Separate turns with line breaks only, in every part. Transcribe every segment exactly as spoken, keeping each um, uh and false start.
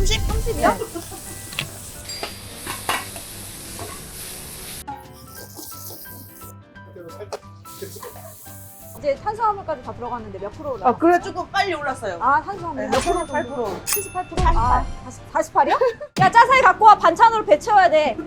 삼십?
삼십이요?
네.
이제 탄수화물까지 다 들어갔는데 몇 프로 올라?
아, 그래 조금 빨리 올랐어요.
아, 탄수화물
네,
몇 프로?
칠십팔 퍼센트.
칠십팔 퍼센트? 아, 사십팔이요? 야, 짜사이 갖고 와. 반찬으로 배 채워야 돼.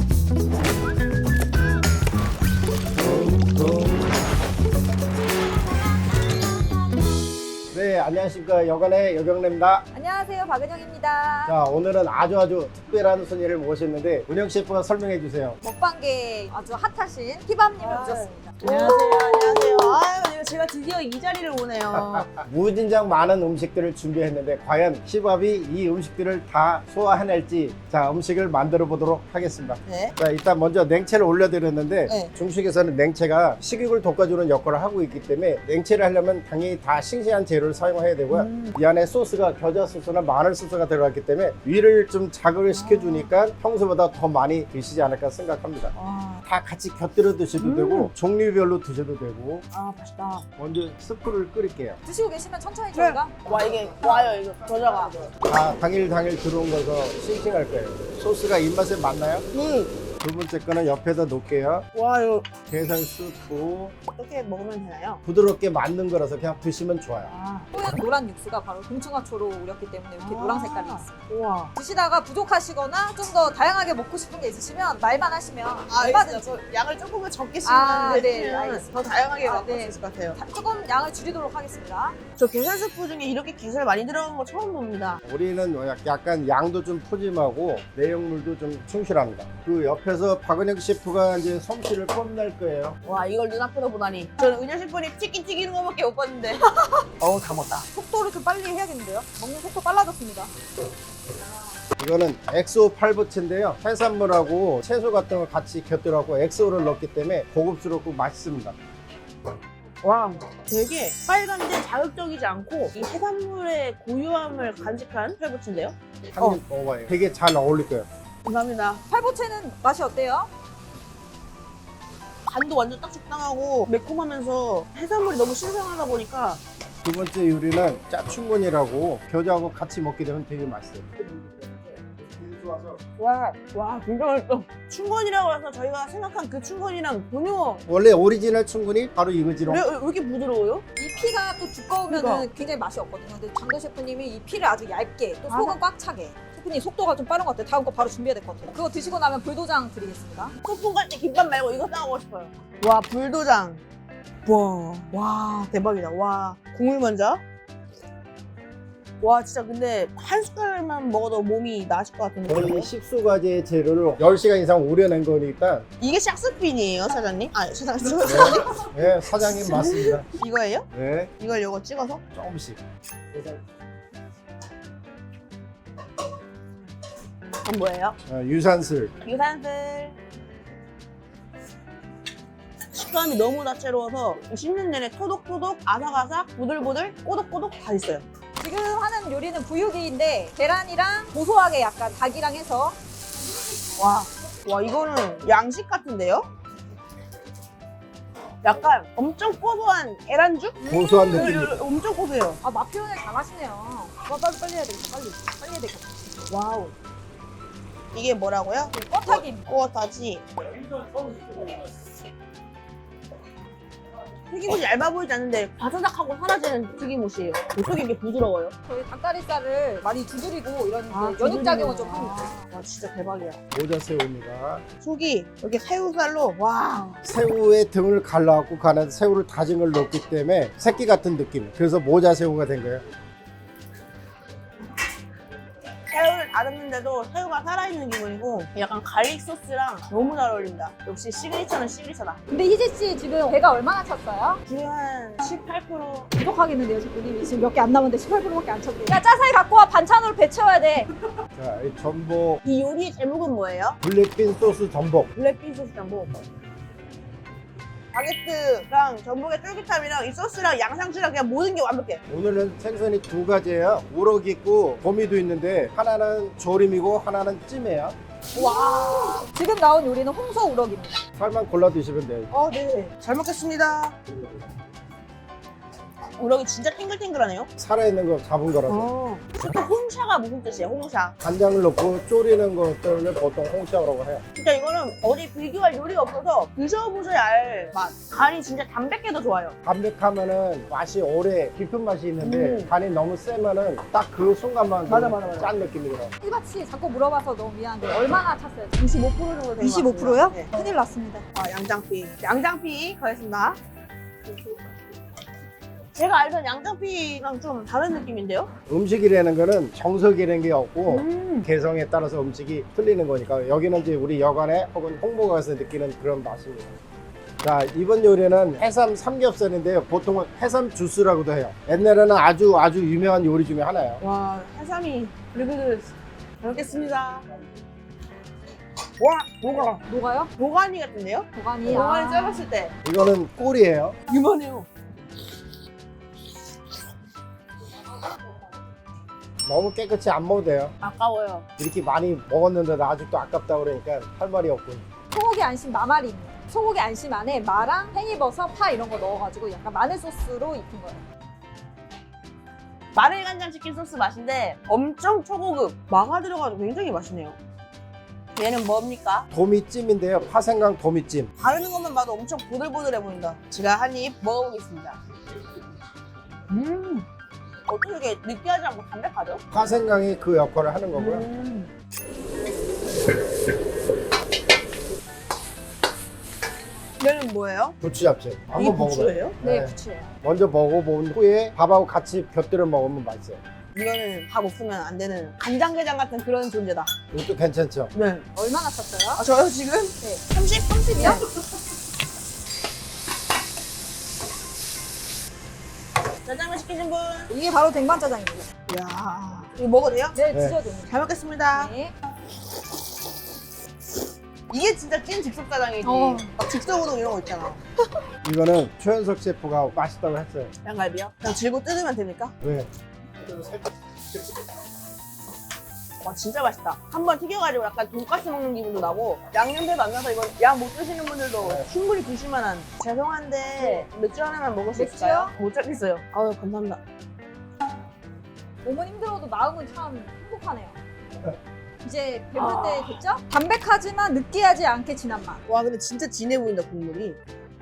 네, 안녕하십니까. 여관의 여경래입니다.
안녕하세요, 박은영입니다.
자, 오늘은 아주 아주 특별한 손님을 모셨는데 은영 셰프가 설명해 주세요.
먹방계 아주 핫하신 희밤님을
아,
모셨습니다.
안녕하세요. 안녕하세요. 아유, 제가 드디어 이 자리를 오네요.
무진장 많은 음식들을 준비했는데 과연 시밥이 이 음식들을 다 소화해낼지 자, 음식을 만들어 보도록 하겠습니다.
네.
자, 일단 먼저 냉채를 올려드렸는데
네.
중식에서는 냉채가 식욕을 돋궈주는 역할을 하고 있기 때문에 냉채를 하려면 당연히 다 싱싱한 재료를 사용해야 되고요.
음.
이 안에 소스가 겨자 소스나 마늘 소스가 들어갔기 때문에 위를 좀 자극을 시켜주니까 평소보다 더 많이 드시지 않을까 생각합니다.
와,
다 같이 곁들여 드셔도
음.
되고 종류별로 드셔도 되고.
아, 맛있다.
먼저 스프를 끓일게요.
드시고 계시면 천천히
네.
저희가
와, 이게 와요, 이거. 겨자가.
다 당일 당일 들어온 거서 싱싱할 거예요. 소스가 입맛에 맞나요?
음.
두 번째 거는 옆에다 놓을게요.
와, 이거
게살 스프.
어떻게 먹으면 되나요?
부드럽게 만든 거라서 그냥 드시면 좋아요.
아,
뽀얀 노란 육수가 바로 동충하초로 우렸기 때문에 이렇게
아.
노란 색깔이 있습니다.
우와.
드시다가 부족하시거나 좀 더 다양하게 먹고 싶은 게 있으시면 말만 하시면
아,
얼마든지
알겠어요. 양을 조금만 적게
아,
쓰면
네,
되시면
알겠습니다.
더 다양하게
아,
맛볼
네.
수 있을 것 같아요.
다- 조금 양을 줄이도록 하겠습니다.
저 게살 스프 중에 이렇게 게살 많이 들어간 거 처음 봅니다.
우리는 약- 약간 양도 좀 푸짐하고 내용물도 좀 충실합니다. 그 옆에서 박은혁 셰프가 이제 솜씨를 뽐낼 거예요.
와, 이걸 눈앞에서 보다니. 저는 은현 셰프님 치킨 튀기는 거밖에 못 봤는데. 어우, 다 먹었다.
속도를 좀 빨리 해야겠는데요? 먹는 속도 빨라졌습니다.
이거는 엑소 팔보채인데요. 해산물하고 채소 같은 거 같이 곁들여갖고 엑소를 넣기 때문에 고급스럽고 맛있습니다.
와, 되게 빨간데 자극적이지 않고 이 해산물의 고유함을 간직한 팔보채인데요?
한 입 먹어봐요. 되게 잘 어울릴 거예요.
감사합니다.
팔보채는 맛이 어때요?
간도 완전 딱 적당하고 매콤하면서 해산물이 너무 신선하다 보니까
두 번째 요리는 짜충곤이라고 겨자하고 같이 먹게 되면 되게 맛있어요.
와, 와, 진짜 맛있어. 춘건이라고 해서 저희가 생각한 그 춘건이랑 전혀
원래 오리지널 충곤이 바로 이거지롱.
왜, 왜 이렇게 부드러워요?
이 피가 또 두꺼우면
그러니까.
굉장히 맛이 없거든요. 근데 장도 셰프님이 이 피를 아주 얇게 또
아.
속은 꽉 차게. 셰프님 속도가 좀 빠른 것 같아요. 다음 거 바로 준비해야 될 것 같아요. 그거 드시고 나면 불도장 드리겠습니다.
소풍 갈 때 김밥 말고 이거 싸먹고 싶어요. 와, 불도장. 와, 와, 대박이다. 와, 국물 먼저. 와, 진짜 근데 한 숟갈만 먹어도 몸이 나아질 것 같은
거의
느낌이에요.
십수가지의 재료를 열 시간 이상 우려낸 거니까
이게 샥스핀이에요, 사장님? 아, 사장님.
네, 사장님 맞습니다.
이거예요?
네,
이걸 요거 찍어서?
조금씩.
그건 뭐예요?
어, 유산슬.
유산슬. 식감이 너무 다채로워서 씹는 내내 토독토독, 아삭아삭, 부들부들, 꼬독꼬독 다 있어요.
지금 하는 요리는 부유기인데 계란이랑 고소하게 약간 닭이랑 해서
와, 와 이거는 양식 같은데요? 약간 엄청 고소한 계란죽?
고소한 느낌.
엄청 고소해요.
아, 맛 표현을 잘하시네요. 와, 빨리 빨리 해야 되겠다. 빨리 빨리 해야 되겠다.
와우. 이게 뭐라고요?
꿔타김.
꼬다지. 튀김옷이 얇아 보이지 않는데 바사삭하고 사라지는 튀김옷이에요. 어떻게 이게 부드러워요?
저희 닭다리살을 많이 두드리고 이런
아,
이제 연육작용을 좀
두드리는구나.
합니다.
와 진짜 대박이야.
모자 새우입니다.
속이 이렇게 새우살로 와.
새우의 등을 갈라갖고 그 안에 새우를 다진 걸 넣기 때문에 새끼 같은 느낌. 그래서 모자 새우가 된 거예요.
새우를 다듬는데도 새우가 살아있는 기분이고 약간 갈릭 소스랑 너무 잘 어울린다. 역시 시그니처는 시그니처다.
근데 희재 씨 지금 배가 얼마나 찼어요?
지금 한 십팔 퍼센트.
부족하겠는데요, 셰프님. 지금 몇 개 안 남았는데 십팔 퍼센트밖에 안 찼대요. 야, 짜사이 갖고 와. 반찬으로 배 채워야 돼.
자, 이 전복,
이 요리 제목은 뭐예요?
블랙빈 소스 전복.
블랙빈 소스 전복. 바게트랑 전복의 쫄깃함이랑 이 소스랑 양상추랑 그냥 모든 게 완벽해.
오늘은 생선이 두 가지예요. 우럭 있고 도미도 있는데 하나는 조림이고 하나는 찜이에요.
와.
지금 나온 요리는 홍서 우럭입니다.
살만 골라 드시면 돼요.
어, 네. 잘 먹겠습니다. 우럭이 진짜 탱글탱글하네요.
살아있는 거 잡은 거라서.
어. 홍샤가 무슨 뜻이에요? 홍샤.
간장을 넣고 졸이는 것들을 보통 홍샤라고 해요.
진짜 이거는 어디 비교할 요리가 없어서 드셔보셔야 알 맛. 간이 진짜 담백해도 좋아요.
담백하면은 맛이 오래 깊은 맛이 있는데
음.
간이 너무 세면은 딱 그 순간만
맞아,
좀
맞아, 맞아.
짠 느낌이더라고.
일바치 자꾸 물어봐서 너무 미안한데 얼마나 찼어요?
이십오 퍼센트 정도 된것
이십오 퍼센트요?
같습니다. 네.
큰일 났습니다.
아, 양장피. 양장피 가겠습니다. 제가 알던 양장피랑 좀 다른 느낌인데요?
음식이라는 거는 정석이라는 게 없고
음.
개성에 따라서 음식이 틀리는 거니까 여기는 이제 우리 여관에 혹은 홍보가 가서 느끼는 그런 맛입니다. 자, 이번 요리는 해삼 삼겹살인데요. 보통은 해삼 주스라고도 해요. 옛날에는 아주 아주 유명한 요리 중에 하나예요.
와, 해삼이 그리고 잘 먹겠습니다. 와, 녹아.
녹아요?
도가니 같은데요?
도가니.
도가니
아.
삶았을 때
이거는 꿀이에요.
유만해요.
너무 깨끗이 안 먹어도 돼요.
아까워요.
이렇게 많이 먹었는데도 아직도 아깝다 그러니까 할 말이 없군.
소고기 안심 마마리입니다. 소고기 안심 안에 마랑 팽이버섯, 파 이런 거 넣어가지고 약간 마늘 소스로 입힌 거예요.
마늘 간장 치킨 소스 맛인데 엄청 초고급. 마가 들어가도 굉장히 맛있네요. 얘는 뭡니까?
도미찜인데요. 파생강 도미찜.
바르는 것만 봐도 엄청 보들보들해 보인다. 제가 한 입 먹어보겠습니다. 음, 어떻게 이렇게 느끼하지 않고 담백하죠?
파생강이 그 역할을 하는 거고요.
음. 얘는 뭐예요?
부추 잡채.
이게
한번 먹어봐요.
부추예요?
네,
네.
부추예요.
먼저 먹어본 후에 밥하고 같이 곁들여 먹으면 맛있어요.
이거는 밥 없으면 안 되는 간장게장 같은 그런 존재다.
이것도 괜찮죠?
네.
얼마나 찼어요?
아, 저요 지금?
네.
삼십? 삼십이요? 짜장면 시키신 분?
이게 바로 댕반짜장입니다.
이야, 이거 먹어도 돼요?
네,
네.
드셔도 됩니다.
잘 먹겠습니다.
네.
이게 진짜 찐 즉석짜장이지.
어.
막 즉석우동 이런 거 있잖아.
이거는 최현석 셰프가 맛있다고 했어요.
양갈비요? 그냥 들고 뜯으면 됩니까?
왜?
와, 진짜 맛있다. 한번 튀겨가지고 약간 돈가스 먹는 기분도 나고 양념대도 안 나서 이건 양 못 드시는 분들도
네.
충분히 드실 만한. 죄송한데 맥주 하나만 먹을 수
맥주요?
있을까요? 못 찾겠어요. 아유, 감사합니다.
몸은 힘들어도 마음은 참 행복하네요. 이제 배부를
아.
때 됐죠? 담백하지만 느끼하지 않게 진한 맛.
와, 근데 진짜 진해 보인다, 국물이.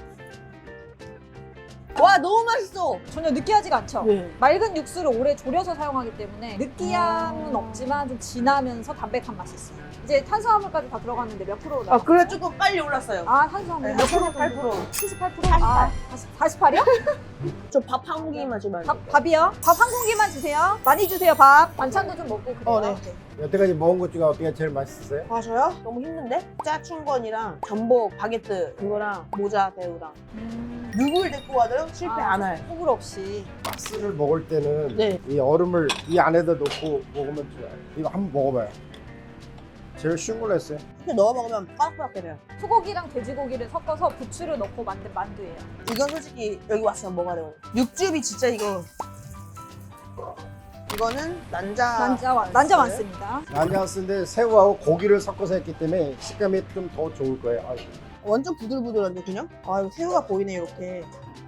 와, 너무 맛있어.
전혀 느끼하지가 않죠?
네.
맑은 육수를 오래 졸여서 사용하기 때문에 느끼함은
아.
없지만 좀 진하면서 담백한 맛이 있어요. 이제 탄수화물까지 다 들어갔는데 몇 프로
아,
나왔어요?
그래 조금 빨리 올랐어요.
아, 탄수화물
네, 칠십팔 퍼센트.
칠십팔 퍼센트?
사십팔.
아, 사십팔이요?
저 밥 한 공기만 주면 안
밥,
돼요?
밥이요? 밥 한 공기만 주세요. 많이 주세요, 밥. 반찬도 좀 먹고 그래요.
어, 네.
여태까지 먹은 것 중에 어떻게 제일 맛있었어요?
아, 저요? 너무 힘든데? 짜충건이랑 전복 바게트 그거랑 모자 배우랑
음,
누굴 데리고 가도 실패
아,
안 할.
호불 없이.
가스를 먹을 때는
네.
이 얼음을 이 안에다 넣고 먹으면 좋아요. 이거 한번 먹어봐요. 제일 쉬운 걸로 했어요.
이렇게 넣어 먹으면 빠삭빠삭 돼요.
소고기랑 돼지고기를 섞어서 부추를 넣고 만든 만두예요.
이건 솔직히 여기 왔으면 먹어야 돼요. 육즙이 진짜 이거. 이거는 난자.
난자, 완- 난자 많습니다.
난장스인데 새우하고 고기를 섞어서 했기 때문에 식감이 좀 더 좋을 거예요. 아이고.
완전 부들부들한데 그냥? 아, 이거 새우가 보이네 이렇게.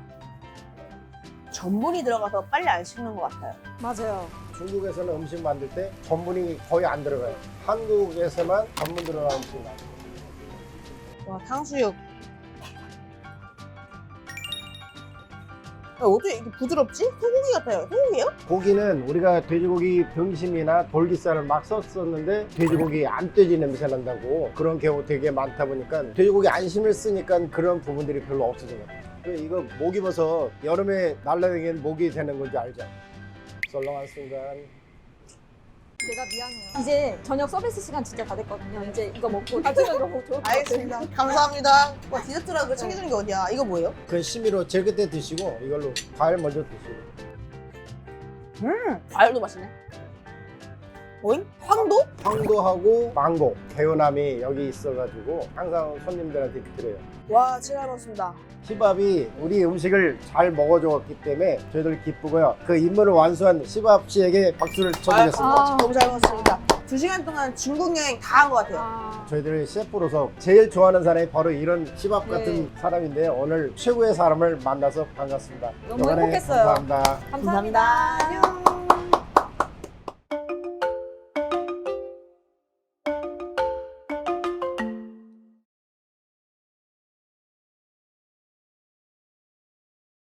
전분이 들어가서 빨리 안 식는 것 같아요.
맞아요.
중국에서는 음식 만들 때 전분이 거의 안 들어가요. 한국에서만 전분 들어가는 음식 많아요.
와, 탕수육. 야, 어떻게 이렇게 부드럽지? 소고기 같아요. 소고기예요?
고기는 우리가 돼지고기 등심이나 돌기살을 막 썼었는데 돼지고기 암돼지 냄새 난다고 그런 경우 되게 많다 보니까 돼지고기 안심을 쓰니까 그런 부분들이 별로 없어진 것 같아요. 그 이거 목 입어서 여름에 날라다니는 목이 되는 건지 알죠? 썰렁한 순간
제가 미안해요. 이제 저녁 서비스 시간 진짜 다 됐거든요. 이제 이거 먹고 가시면 너무 좋을 것 같아요.
알겠습니다. 감사합니다. 와, 디저트라고 챙겨주는 게 어디야? 이거 뭐예요?
그 심의로 제일 끝에 드시고 이걸로 과일 먼저 드시고
음, 과일도 맛있네. 뭐임? 황도?
황도하고 망고 개운함이 여기 있어가지고 항상 손님들한테 드려요.
와, 제가 먹었습니다.
시밥이 우리 음식을 잘 먹어줬기 때문에 저희들 기쁘고요. 그 임무를 완수한 시밥 씨에게 박수를 쳐드리겠습니다.
아,
너무 잘 먹었습니다. 두 시간 동안 중국 여행 다 한 것 같아요.
아,
저희들이 셰프로서 제일 좋아하는 사람이 바로 이런 힙합 같은
네.
사람인데 오늘 최고의 사람을 만나서 반갑습니다.
너무
영원히
행복했어요.
감사합니다.
감사합니다.
안녕.